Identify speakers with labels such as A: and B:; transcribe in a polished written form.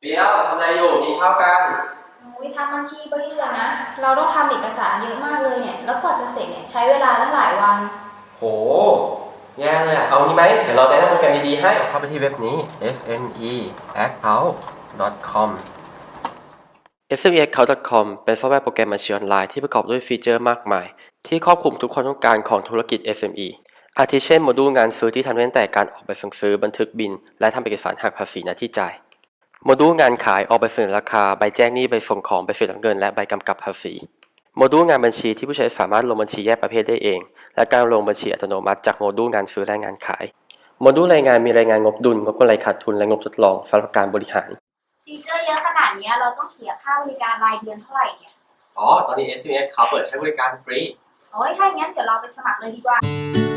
A: เปียวทำอะไรอยู่กินข้าวกัน
B: ทำบัญชีบริษัทนะ เราต้องทำเอกสารเยอะมากเลยเนี่ยแล้วกว่าจะเสร็จเนี่ยใช้เวลาตั้งหลายวัน
A: โหแย่เลยอะเอางี้ไหมเดี๋ยวเราแนะนำโปรแกรมดีๆให้เข้าไปที่เว็บนี้ smeaccount.com smeaccount.com เป็นซอฟต์แวร์โปรแกรมบัญชีออนไลน์ที่ประกอบด้วยฟีเจอร์มากมายที่ครอบคลุมทุกความต้องการของธุรกิจ SME อาทิเช่นโมดูลงานซื้อที่ทำได้ตั้งแต่การออกใบสั่งซื้อบันทึกบิลและทำเอกสารหักภาษีหน้าที่จ่ายโมดูลงานขายออกใบเสนอราคาใบแจ้งหนี้ใบส่งของใบเสร็จรับเงินและใบกำกับภาษีโมดูลงานบัญชีที่ผู้ใช้สามารถลงบัญชีแยกประเภทได้เองและการลงบัญชีอัตโนมัติจากโมดูลงานซื้อและงานขายโมดูลรายงานมีรายงานงบดุลงบกำไรขาดทุนและงบทดลองสำหรับการบริหาร
B: ฟีเจอร์เยอะขนาดนี้เราต้องเสียค่าบริการรายเดือนเท่าไหร่เนี่ย
A: ตอนนี้ SMS เขาเปิดให้บริการฟรี
B: ถ้าอย่างนั้นเดี๋ยวเราไปสมัครเลยดีกว่า